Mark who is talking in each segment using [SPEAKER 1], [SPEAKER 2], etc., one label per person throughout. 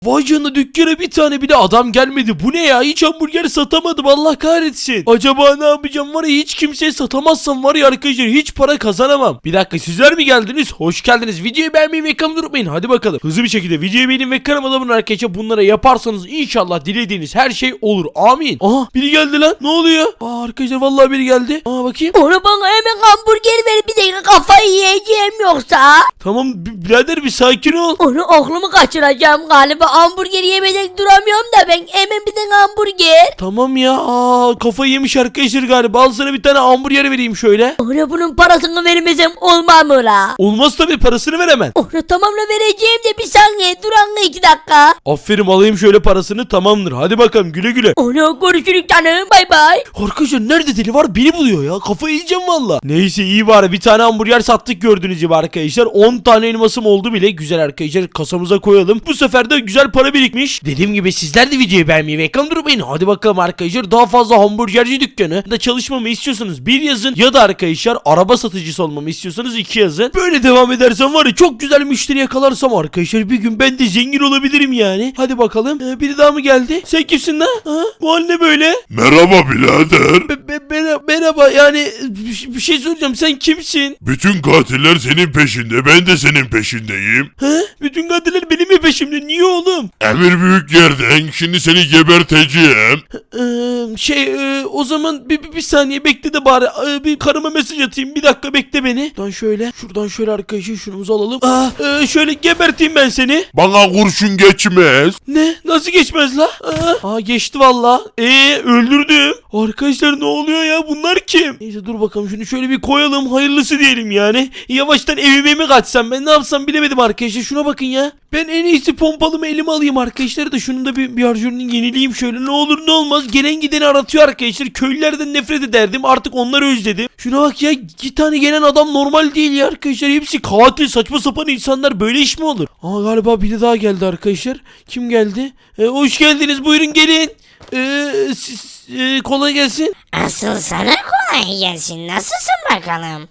[SPEAKER 1] Vay canına, dükkana bir tane bile adam gelmedi. Bu ne ya? Hiç hamburger satamadım, Allah kahretsin. Acaba ne yapacağım var ya, hiç kimseye satamazsam var ya arkadaşlar, hiç para kazanamam. Bir dakika, sizler mi geldiniz? Hoş geldiniz. Videoyu beğenmeyi ve kanalıma unutmayın. Hadi bakalım. Hızlı bir şekilde videoyu beğenin ve kanalıma abone olun arkadaşlar. Bunlara yaparsanız inşallah dilediğiniz her şey olur. Amin. Aha, biri geldi lan. Ne oluyor? Arkadaşlar vallahi biri geldi. Bakayım.
[SPEAKER 2] Onu bana hemen hamburger ver, bir dakika kafayı yiyeceğim yoksa.
[SPEAKER 1] Tamam birader, bir sakin ol.
[SPEAKER 2] Onu aklımı kaçıracağım galiba, hamburger yemeden duramıyorum da ben, hemen bir tane hamburger.
[SPEAKER 1] Tamam ya. Kafayı yemiş arkadaşlar galiba. Al sana bir tane hamburger vereyim şöyle.
[SPEAKER 2] Ona bunun parasını vermesem olmaz mı la?
[SPEAKER 1] Olmaz tabii, parasını ver hemen.
[SPEAKER 2] Onu tamamla vereceğim de bir saniye dur anla, 2 dakika.
[SPEAKER 1] Aferin, alayım şöyle parasını, tamamdır. Hadi bakalım, güle güle.
[SPEAKER 2] Onu görüşürüz canım, bay bay.
[SPEAKER 1] Arkadaşlar nerede deli var, beni buluyor ya. Kafayı yiyeceğim valla. Neyse, iyi bari bir tane hamburger sattık gördüğünüz gibi arkadaşlar. 10 tane elmasım oldu bile. Güzel arkadaşlar, kasamıza koyalım. Bu sefer de güzel para birikmiş. Dediğim gibi sizler de videoyu beğenmeyi ve ekran durmayın. Hadi bakalım arkadaşlar, daha fazla hamburgerci dükkanı da çalışmamı istiyorsanız 1 yazın, ya da arkadaşlar araba satıcısı olmamı istiyorsanız 2 yazın. Böyle devam edersem var ya, çok güzel müşteri yakalarsam arkadaşlar bir gün ben de zengin olabilirim yani. Hadi bakalım. Biri daha mı geldi? Sen kimsin lan? Bu hal ne böyle?
[SPEAKER 3] Merhaba birader.
[SPEAKER 1] Merhaba, yani bir şey soracağım, sen kimsin?
[SPEAKER 3] Bütün katiller senin peşinde, ben de senin peşindeyim.
[SPEAKER 1] Bütün katiller benim mi peşimde? Niye oğlum?
[SPEAKER 3] Emir büyük yerden, şimdi seni geberteceğim.
[SPEAKER 1] O zaman bir saniye bekle de bari bir karıma mesaj atayım. Bir dakika bekle beni. Şuradan şöyle arkadaşlar şunumuzu alalım. Şöyle geberteyim ben seni.
[SPEAKER 3] Bana kurşun geçmez.
[SPEAKER 1] Ne? Nasıl geçmez la? Geçti valla. Öldürdüm. Arkadaşlar ne oluyor ya? Bunlar kim? Neyse dur bakalım, şunu şöyle bir koyalım. Hayırlısı diyelim yani. Yavaştan evime mi kaçsam, ben ne yapsam bilemedim arkadaşlar. Şuna bakın ya. Ben en iyisi pompalımı elime alayım arkadaşlar da şunun da bir harcörünü yenileyim şöyle. Ne olur ne olmaz. Gelen gideni aratıyor arkadaşlar. Köylülerden nefret ederdim. Artık onları özledim. Şuna bak ya. 2 tane gelen adam normal değil ya arkadaşlar. Hepsi katil, saçma sapan insanlar. Böyle iş mi olur? Galiba biri daha geldi arkadaşlar. Kim geldi? Hoş geldiniz. Buyurun gelin. Kolay gelsin.
[SPEAKER 4] Asıl sana kolay gelsin. Nasılsın bakalım?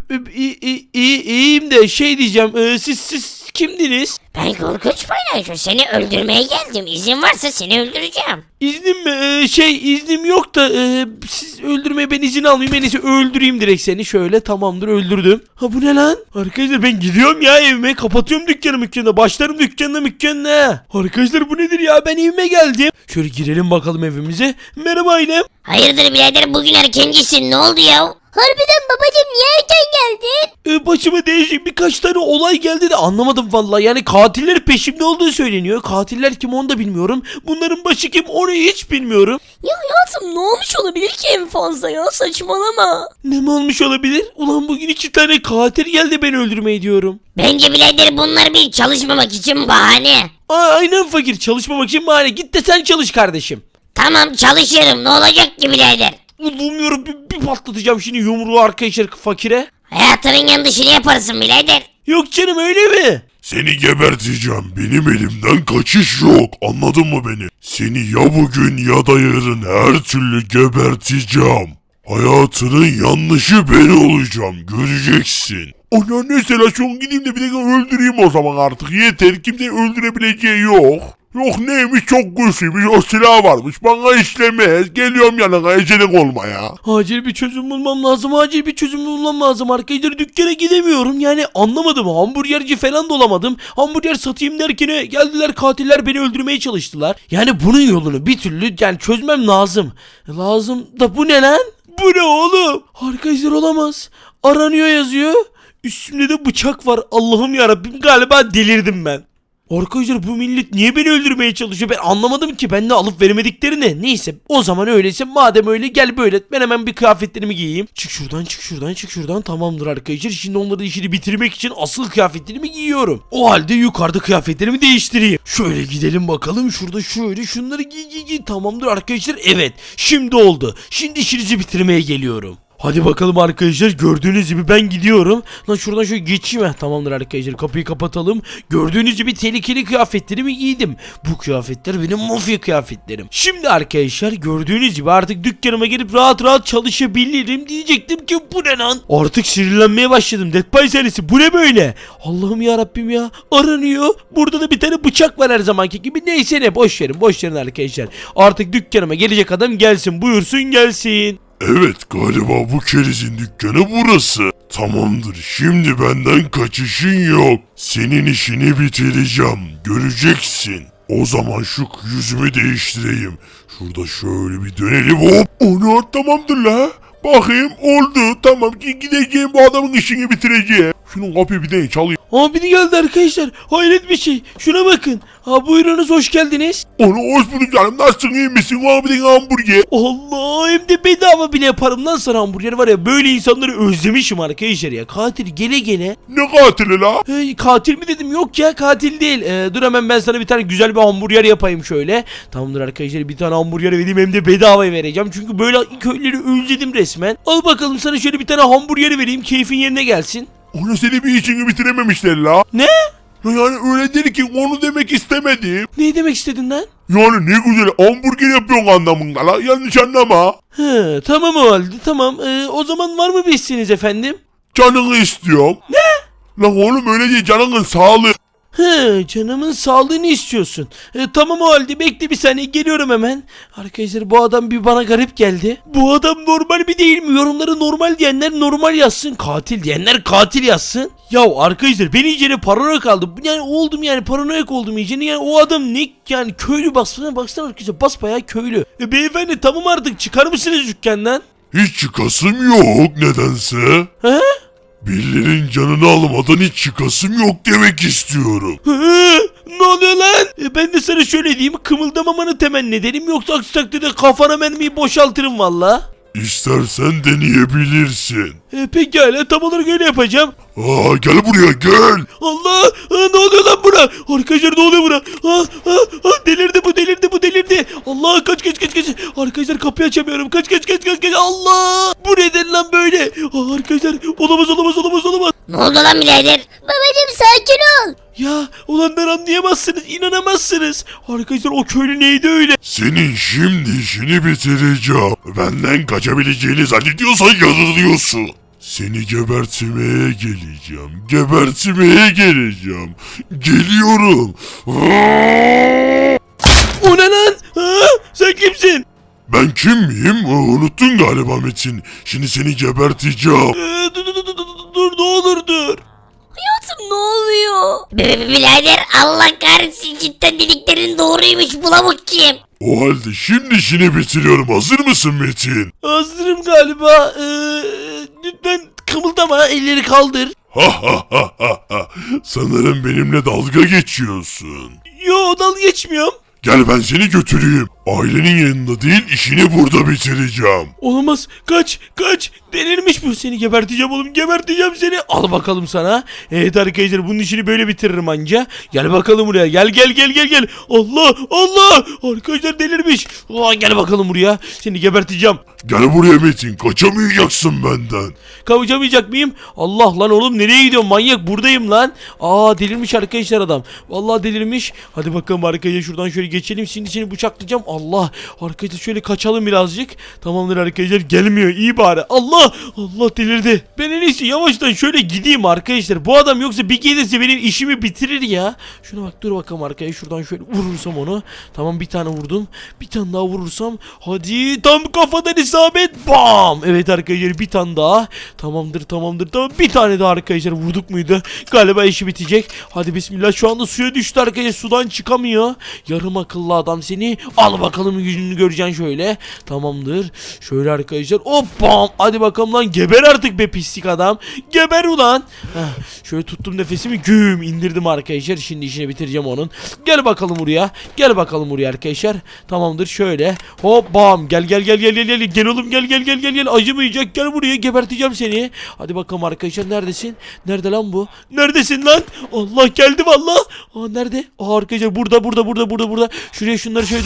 [SPEAKER 1] İyiyim de şey diyeceğim. Siz kimdiniz?
[SPEAKER 4] Ben korkunç paylaşım. Seni öldürmeye geldim. İzin varsa seni öldüreceğim.
[SPEAKER 1] İznim mi? İznim yok da siz öldürmeye ben izin almayayım. En iyisi öldüreyim direkt seni. Şöyle, tamamdır, öldürdüm. Bu ne lan? Arkadaşlar ben gidiyorum ya evime. Kapatıyorum dükkanı. Başlarım dükkanına. Arkadaşlar bu nedir ya? Ben evime geldim. Şöyle girelim bakalım evimize. Merhaba ailem.
[SPEAKER 4] Hayırdır birader, bugün erkencisin. Ne oldu ya?
[SPEAKER 2] Harbiden babacım, niye erken geldin?
[SPEAKER 1] Başıma değişik birkaç tane olay geldi de anlamadım vallahi. Yani katiller peşimde olduğu söyleniyor. Katiller kim onu da bilmiyorum. Bunların başı kim onu hiç bilmiyorum.
[SPEAKER 2] Ya hayatım, ne olmuş olabilir ki en fazla ya, saçmalama.
[SPEAKER 1] Ne mi olmuş olabilir? Ulan bugün 2 tane katil geldi beni öldürmeyi diyorum.
[SPEAKER 4] Bence birader bunlar bir çalışmamak için bahane.
[SPEAKER 1] Aynen fakir, çalışmamak için bahane. Git de sen çalış kardeşim.
[SPEAKER 4] Tamam çalışırım, ne olacak ki birader?
[SPEAKER 1] Bilmiyorum, bir patlatacağım şimdi yumruğu arkadaşlar fakire.
[SPEAKER 4] Hayatının yanlışını yaparsın birader.
[SPEAKER 1] Yok canım, öyle mi?
[SPEAKER 3] Seni geberteceğim. Benim elimden kaçış yok. Anladın mı beni? Seni ya bugün ya da yarın her türlü geberteceğim. Hayatının yanlışı ben olacağım. Göreceksin. Ona mesela şu an gideyim de bir dakika öldüreyim o zaman artık. Yeter, kimseyi öldürebileceği yok. Yok neymiş, çok güçlüymüş, o silah varmış, bana işlemez. Geliyorum yanına, ecelik olma ya.
[SPEAKER 1] Acil bir çözüm bulmam lazım arkadaşlar. Dükkana gidemiyorum yani, anlamadım. Hamburgerci falan da olamadım. Hamburger satayım derken geldiler katiller, beni öldürmeye çalıştılar. Yani bunun yolunu bir türlü yani çözmem lazım. Lazım da bu ne lan? Bu ne oğlum? Arkadaşlar olamaz. Aranıyor yazıyor. Üstümde de bıçak var. Allah'ım yarabbim, galiba delirdim ben. Arkadaşlar bu millet niye beni öldürmeye çalışıyor, ben anlamadım ki. Ben de alıp veremediklerini. Neyse, o zaman öyleyse, madem öyle gel böyle. Ben hemen bir kıyafetlerimi giyeyim. Çık şuradan. Tamamdır arkadaşlar. Şimdi onların işini bitirmek için asıl kıyafetlerimi giyiyorum. O halde yukarıda kıyafetlerimi değiştireyim. Şöyle gidelim bakalım. Şurada şöyle şunları giy. Tamamdır arkadaşlar. Evet, şimdi oldu. Şimdi işinizi bitirmeye geliyorum. Hadi bakalım arkadaşlar, gördüğünüz gibi ben gidiyorum. Lan şuradan şöyle geçeyim. Tamamdır arkadaşlar, kapıyı kapatalım. Gördüğünüz gibi tehlikeli kıyafetlerimi giydim. Bu kıyafetler benim mafya kıyafetlerim. Şimdi arkadaşlar gördüğünüz gibi artık dükkanıma gelip rahat rahat çalışabilirim. Diyecektim ki bu ne lan? Artık sinirlenmeye başladım. Dead by serisi bu ne böyle? Allah'ım ya Rabbim ya, aranıyor. Burada da bir tane bıçak var her zamanki gibi. Neyse ne, boş verin arkadaşlar. Artık dükkanıma gelecek adam gelsin, buyursun gelsin.
[SPEAKER 3] Evet, galiba bu kerizin dükkanı burası. Tamamdır, şimdi benden kaçışın yok. Senin işini bitireceğim, göreceksin. O zaman şu yüzümü değiştireyim. Şurada şöyle bir dönelim, hop. Onu tamamdır la. Bakayım oldu, tamam ki gideceğim, bu adamın işini bitireceğim. Şunun kapıyı bir de çalayım.
[SPEAKER 1] Aa, biri geldi arkadaşlar. Hayret bir şey. Şuna bakın. Ha, buyurunuz, hoş geldiniz.
[SPEAKER 3] Onu hoş bulduk canım, nasılsın, iyi misin? Abi bir hamburger.
[SPEAKER 1] Allah, hem de bedava bile yaparım lan sana hamburger, var ya, böyle insanları özlemişim arkadaşlar ya. Katil gele gele.
[SPEAKER 3] Ne katili la?
[SPEAKER 1] Katil mi dedim, yok ya, katil değil. Dur hemen ben sana bir tane güzel bir hamburger yapayım şöyle. Tamamdır arkadaşlar, bir tane hamburger vereyim, hem de bedavaya vereceğim. Çünkü böyle köyleri özledim resmen. Al bakalım, sana şöyle bir tane hamburger vereyim, keyfin yerine gelsin.
[SPEAKER 3] Onu seni bir işini bitirememişler la.
[SPEAKER 1] Ne?
[SPEAKER 3] Yani öyle değil ki, onu demek istemedim.
[SPEAKER 1] Ne demek istedin lan?
[SPEAKER 3] Yani ne güzel hamburger yapıyorsun anlamında la, yanlış anlama.
[SPEAKER 1] He, tamam o halde, tamam. O zaman var mı bir isteğiniz efendim?
[SPEAKER 3] Canını istiyorum. Ne? Lan oğlum öyle değil, canının sağlığı.
[SPEAKER 1] He, canımın sağlığını istiyorsun. Tamam o halde, bekle bir saniye, geliyorum hemen. Arkadaşlar bu adam bir bana garip geldi. Bu adam normal mi değil mi? Yorumları normal diyenler normal yazsın. Katil diyenler katil yazsın. Ya arkadaşlar ben iyicene paranoyak aldım. Yani oldum, yani paranoyak oldum iyicene. Yani o adam ne yani, köylü baksana arkadaşlar, basbayağı köylü. Beyefendi tamam, artık çıkar mısınız dükkandan?
[SPEAKER 3] Hiç çıkasım yok nedense.
[SPEAKER 1] He?
[SPEAKER 3] Birilerinin canını almadan hiç çıkasım yok demek istiyorum.
[SPEAKER 1] Hı, ne oluyor lan? Ben de sana şöyle diyeyim, kımıldamamanı temenni ederim, yoksa aksi takdirde kafana mermiyi boşaltırım valla.
[SPEAKER 3] İstersen deneyebilirsin.
[SPEAKER 1] Pekala, tam olarak öyle yapacağım.
[SPEAKER 3] Gel buraya gel.
[SPEAKER 1] Allah, ne oluyor lan buna? Arkadaşlar ne oluyor buna? Delirdi bu delirdi. Allah, kaç. Arkadaşlar kapıyı açamıyorum, kaç. Allah, bu neden lan böyle? Arkadaşlar olamaz.
[SPEAKER 4] Ne oldu lan birader?
[SPEAKER 2] Babacım sakin ol.
[SPEAKER 1] Ya ulan, anlayamazsınız, inanamazsınız. Arkadaşlar o köylü neydi öyle?
[SPEAKER 3] Senin şimdi işini bitireceğim. Benden kaçabileceğini zannediyorsan yanılıyorsun. Seni gebertmeye geleceğim. Geliyorum.
[SPEAKER 1] O ne lan? Sen kimsin?
[SPEAKER 3] Ben kim miyim? Unuttun galiba Metin. Şimdi seni geberteceğim.
[SPEAKER 1] Dur, ne olur dur.
[SPEAKER 2] Hayatım ne oluyor?
[SPEAKER 4] Birader Allah kahretsin, cidden dediklerin doğruymuş, bu lavuk kim?
[SPEAKER 3] O halde şimdi işini bitiriyorum. Hazır mısın Metin?
[SPEAKER 1] Hazırım galiba. Lütfen kımıldama, elleri kaldır.
[SPEAKER 3] Sanırım benimle dalga geçiyorsun.
[SPEAKER 1] Yo, dalga geçmiyorum.
[SPEAKER 3] Gel ben seni götüreyim. Ailenin yanında değil, işini burada bitireceğim.
[SPEAKER 1] Olamaz, kaç. Delirmiş bu, seni geberteceğim oğlum, geberteceğim seni. Al bakalım sana. Evet arkadaşlar, bunun işini böyle bitiririm anca. Gel bakalım buraya, gel. Allah, arkadaşlar delirmiş. Gel bakalım buraya, seni geberteceğim.
[SPEAKER 3] Gel buraya Metin, kaçamayacaksın benden.
[SPEAKER 1] Kavucamayacak mıyım? Allah lan oğlum, nereye gidiyorsun manyak, buradayım lan. Delirmiş arkadaşlar adam. Vallahi delirmiş. Hadi bakalım arkadaşlar, şuradan şöyle geçelim, şimdi seni bıçaklayacağım. Allah, arkadaşlar şöyle kaçalım birazcık. Tamamdır arkadaşlar, gelmiyor, iyi bari. Allah delirdi. Ben en iyisi yavaştan şöyle gideyim arkadaşlar. Bu adam yoksa bir gelirse benim işimi bitirir ya. Şuna bak, dur bakalım arkadaşlar, şuradan şöyle vurursam onu. Tamam, bir tane vurdum. Bir tane daha vurursam. Hadi, tam kafadan isabet. Bam. Evet arkadaşlar, bir tane daha. Tamamdır. Tamam, bir tane daha arkadaşlar, vurduk muydu? Galiba işi bitecek. Hadi bismillah, şu anda suya düştü arkadaşlar, sudan çıkamıyor. Yarım akıllı adam seni. Al bakalım, yüzünü göreceksin şöyle. Tamamdır. Şöyle arkadaşlar, hop bam. Hadi bakalım lan, geber artık be pislik adam. Geber ulan. Şöyle tuttum nefesimi, güm indirdim arkadaşlar. Şimdi işini bitireceğim onun. Gel bakalım buraya arkadaşlar. Tamamdır, şöyle. Hop bam. Gel oğlum, gel. Acımayacak, gel buraya, geberteceğim seni. Hadi bakalım arkadaşlar, neredesin? Nerede lan bu? Neredesin lan? Allah, geldi valla. Nerede? Arkadaşlar burada. Şuraya şunları şöyle dök.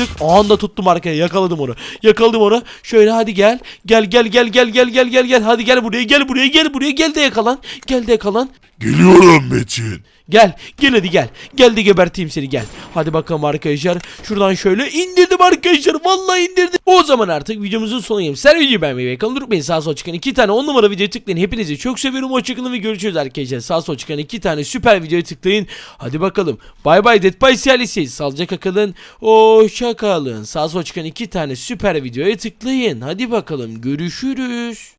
[SPEAKER 1] anda tuttum arkaya. Yakaladım onu. Yakaladım onu. Şöyle hadi gel. Gel. Hadi gel buraya. Gel de yakalan. Gel de yakalan.
[SPEAKER 3] Geliyorum Metin.
[SPEAKER 1] Gel hadi gel. Gel de geberteyim seni gel. Hadi bakalım arkadaşlar. Şuradan şöyle indirdim arkadaşlar. Vallahi indirdim. O zaman artık videomuzun sonuna geldik. Sen videoyu beğenmeyi ve kanalı unutmayın. Sağ sol çıkan 2 tane 10 numara videoya tıklayın. Hepinizi çok seviyorum. Hoşçakalın ve görüşürüz arkadaşlar. Sağ sol çıkan 2 tane süper videoya tıklayın. Hadi bakalım. Bay bay Dead by Sialisi. Sağlıcakla kalın. Hoşçakalın. Sağ sol çıkan 2 tane süper videoya tıklayın. Hadi bakalım. Görüşürüz.